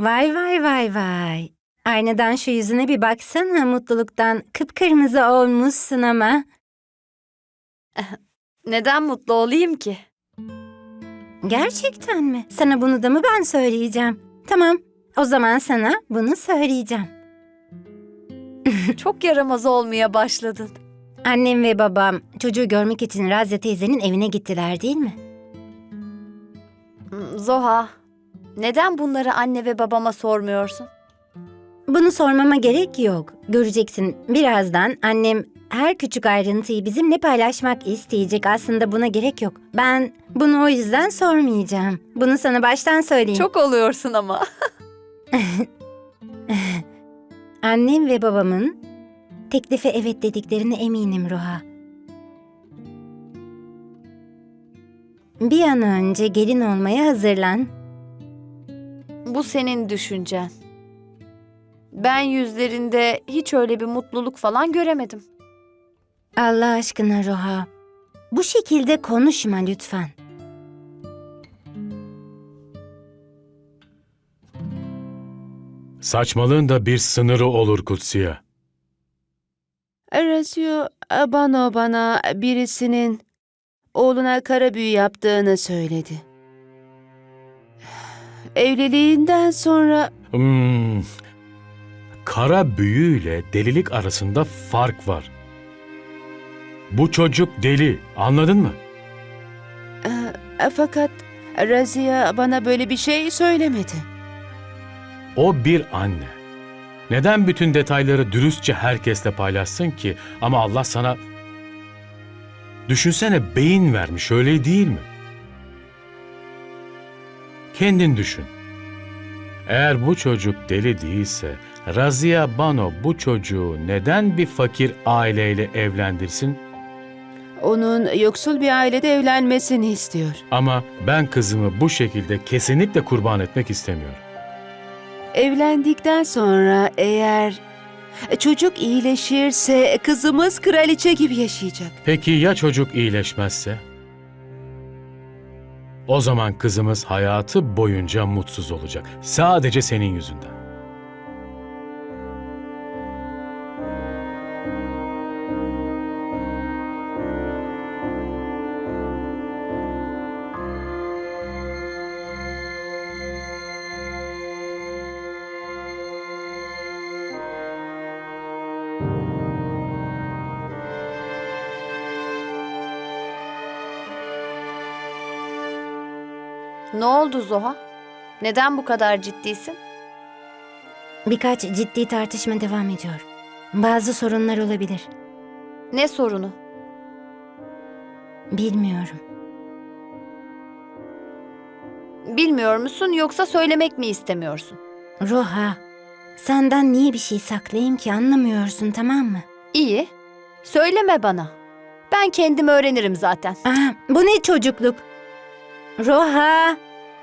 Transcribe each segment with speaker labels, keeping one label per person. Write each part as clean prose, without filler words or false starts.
Speaker 1: Vay vay vay vay. Aynadan şu yüzüne bir baksana, mutluluktan kıpkırmızı olmuşsun ama.
Speaker 2: Neden mutlu olayım ki?
Speaker 1: Gerçekten mi? Sana bunu da mı ben söyleyeceğim? Tamam, o zaman sana bunu söyleyeceğim.
Speaker 2: Çok yaramaz olmaya başladın.
Speaker 1: Annem ve babam çocuğu görmek için Razya teyzenin evine gittiler değil mi?
Speaker 2: Zoha, neden bunları anne ve babama sormuyorsun?
Speaker 1: Bunu sormama gerek yok. Göreceksin, birazdan annem her küçük ayrıntıyı bizimle paylaşmak isteyecek. Aslında buna gerek yok. Ben bunu o yüzden sormayacağım. Bunu sana baştan söyleyeyim.
Speaker 2: Çok oluyorsun ama.
Speaker 1: Annem ve babamın teklife evet dediklerine eminim Roha. Bir an önce gelin olmaya hazırlan.
Speaker 2: Bu senin düşüncen. Ben yüzlerinde hiç öyle bir mutluluk falan göremedim.
Speaker 1: Allah aşkına Roha, bu şekilde konuşma lütfen.
Speaker 3: Saçmalığın da bir sınırı olur Kutsiye.
Speaker 4: Razio bana birisinin oğluna kara büyü yaptığını söyledi. Evliliğinden sonra
Speaker 3: Kara büyüyle delilik arasında fark var. Bu çocuk deli, anladın mı?
Speaker 4: fakat Razia bana böyle bir şey söylemedi.
Speaker 3: O bir anne. Neden bütün detayları dürüstçe herkesle paylaşsın ki? Ama Allah sana... Düşünsene, beyin vermiş, öyle değil mi? Kendin düşün. Eğer bu çocuk deli değilse, Razia Bano bu çocuğu neden bir fakir aileyle evlendirsin?
Speaker 4: Onun yoksul bir ailede evlenmesini istiyor.
Speaker 3: Ama ben kızımı bu şekilde kesinlikle kurban etmek istemiyorum.
Speaker 4: Evlendikten sonra eğer çocuk iyileşirse kızımız kraliçe gibi yaşayacak.
Speaker 3: Peki ya çocuk iyileşmezse? O zaman kızımız hayatı boyunca mutsuz olacak. Sadece senin yüzünden.
Speaker 2: Ne oldu Zoha? Neden bu kadar ciddisin?
Speaker 1: Birkaç ciddi tartışma devam ediyor. Bazı sorunlar olabilir.
Speaker 2: Ne sorunu?
Speaker 1: Bilmiyorum.
Speaker 2: Bilmiyor musun yoksa söylemek mi istemiyorsun?
Speaker 1: Roha, senden niye bir şey saklayayım ki, anlamıyorsun, tamam mı?
Speaker 2: İyi. Söyleme bana. Ben kendim öğrenirim zaten.
Speaker 1: Bu ne çocukluk? Roha!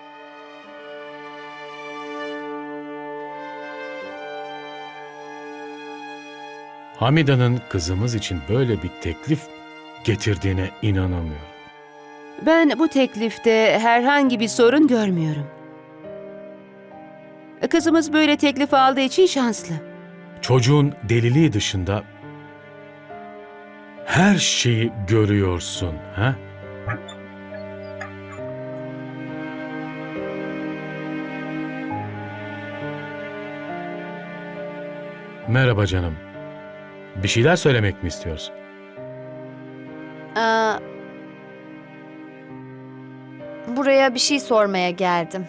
Speaker 3: Hamida'nın kızımız için böyle bir teklif getirdiğine inanamıyorum.
Speaker 4: Ben bu teklifte herhangi bir sorun görmüyorum. Kızımız böyle teklif aldığı için şanslı.
Speaker 3: Çocuğun deliliği dışında her şeyi görüyorsun, ha? Merhaba canım. Bir şeyler söylemek mi istiyorsun?
Speaker 2: Aa, buraya bir şey sormaya geldim.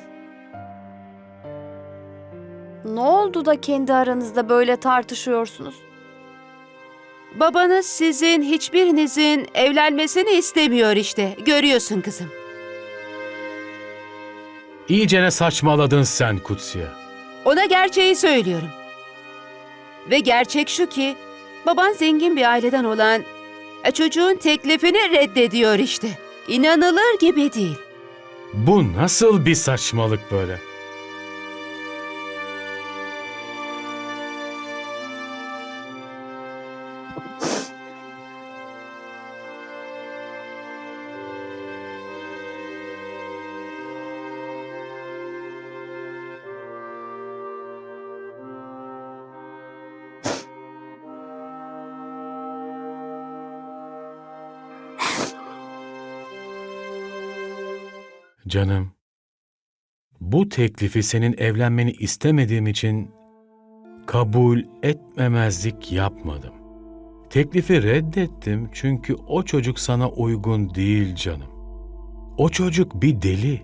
Speaker 2: Ne oldu da kendi aranızda böyle tartışıyorsunuz?
Speaker 4: Babanız sizin hiçbirinizin evlenmesini istemiyor işte. Görüyorsun kızım.
Speaker 3: İyicene saçmaladın sen Kutsiye.
Speaker 4: Ona gerçeği söylüyorum. Ve gerçek şu ki baban zengin bir aileden olan çocuğun teklifini reddediyor işte. İnanılır gibi değil.
Speaker 3: Bu nasıl bir saçmalık böyle? Canım, bu teklifi senin evlenmeni istemediğim için kabul etmemezlik yapmadım. Teklifi reddettim çünkü o çocuk sana uygun değil canım. O çocuk bir deli.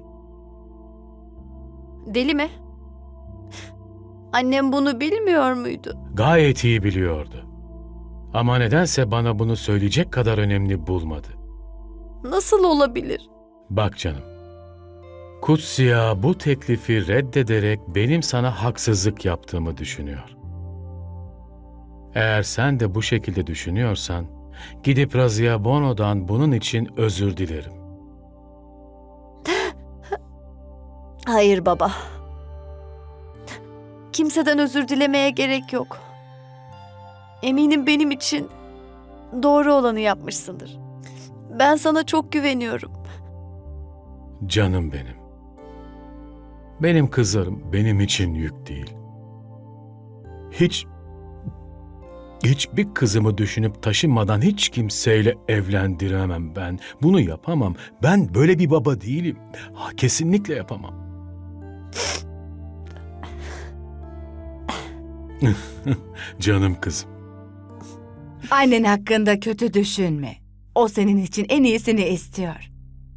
Speaker 2: Deli mi? Annem bunu bilmiyor muydu?
Speaker 3: Gayet iyi biliyordu. Ama nedense bana bunu söyleyecek kadar önemli bulmadı.
Speaker 2: Nasıl olabilir?
Speaker 3: Bak canım, Kutsiya bu teklifi reddederek benim sana haksızlık yaptığımı düşünüyor. Eğer sen de bu şekilde düşünüyorsan, gidip Razia Bono'dan bunun için özür dilerim.
Speaker 2: Hayır baba. Kimseden özür dilemeye gerek yok. Eminim benim için doğru olanı yapmışsındır. Ben sana çok güveniyorum.
Speaker 3: Canım benim. Benim kızlarım benim için yük değil. Hiçbir kızımı düşünüp taşınmadan hiç kimseyle evlendiremem ben. Bunu yapamam. Ben böyle bir baba değilim. Kesinlikle yapamam. Canım kızım.
Speaker 5: Annen hakkında kötü düşünme. O senin için en iyisini istiyor.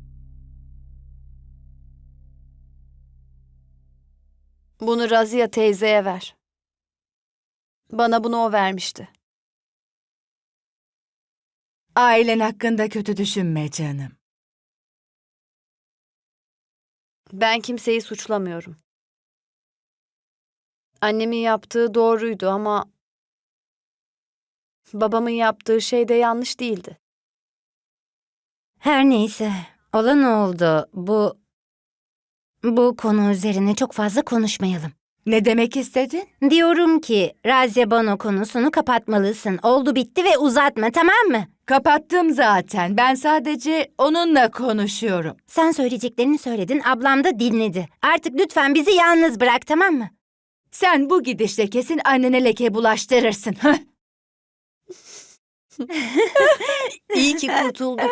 Speaker 2: Bunu Razia teyzeye ver. Bana bunu o vermişti.
Speaker 5: Ailen hakkında kötü düşünme canım.
Speaker 2: Ben kimseyi suçlamıyorum. Annemin yaptığı doğruydu ama babamın yaptığı şey de yanlış değildi.
Speaker 1: Her neyse, olan oldu. Bu konu üzerine çok fazla konuşmayalım.
Speaker 5: Ne demek istedin?
Speaker 1: Diyorum ki Razia Bano konusunu kapatmalısın. Oldu bitti ve uzatma, tamam mı?
Speaker 5: Kapattım zaten. Ben sadece onunla konuşuyorum.
Speaker 1: Sen söyleyeceklerini söyledin, ablam da dinledi. Artık lütfen bizi yalnız bırak, tamam mı?
Speaker 5: Sen bu gidişle kesin annene leke bulaştırırsın.
Speaker 2: İyi ki kurtulduk.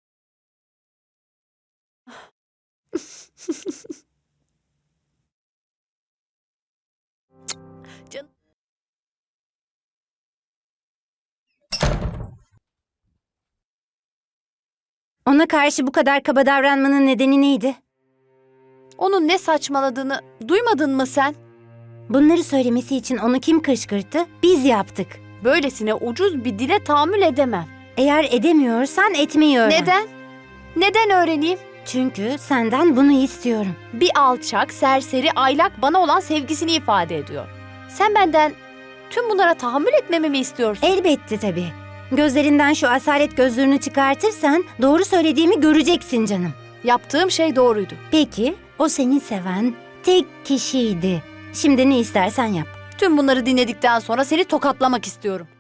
Speaker 2: Canım.
Speaker 1: Ona karşı bu kadar kaba davranmanın nedeni neydi?
Speaker 2: Onun ne saçmaladığını duymadın mı sen?
Speaker 1: Bunları söylemesi için onu kim kışkırttı? Biz yaptık.
Speaker 2: Böylesine ucuz bir dile tahammül edemem.
Speaker 1: Eğer edemiyorsan etmeyi öğren.
Speaker 2: Neden? Neden öğreneyim?
Speaker 1: Çünkü senden bunu istiyorum.
Speaker 2: Bir alçak, serseri, aylak bana olan sevgisini ifade ediyor. Sen benden tüm bunlara tahammül etmemi mi istiyorsun?
Speaker 1: Elbette tabii. Gözlerinden şu asalet gözlüğünü çıkartırsan doğru söylediğimi göreceksin canım.
Speaker 2: Yaptığım şey doğruydu.
Speaker 1: Peki, o seni seven tek kişiydi. Şimdi ne istersen yap.
Speaker 2: Tüm bunları dinledikten sonra seni tokatlamak istiyorum.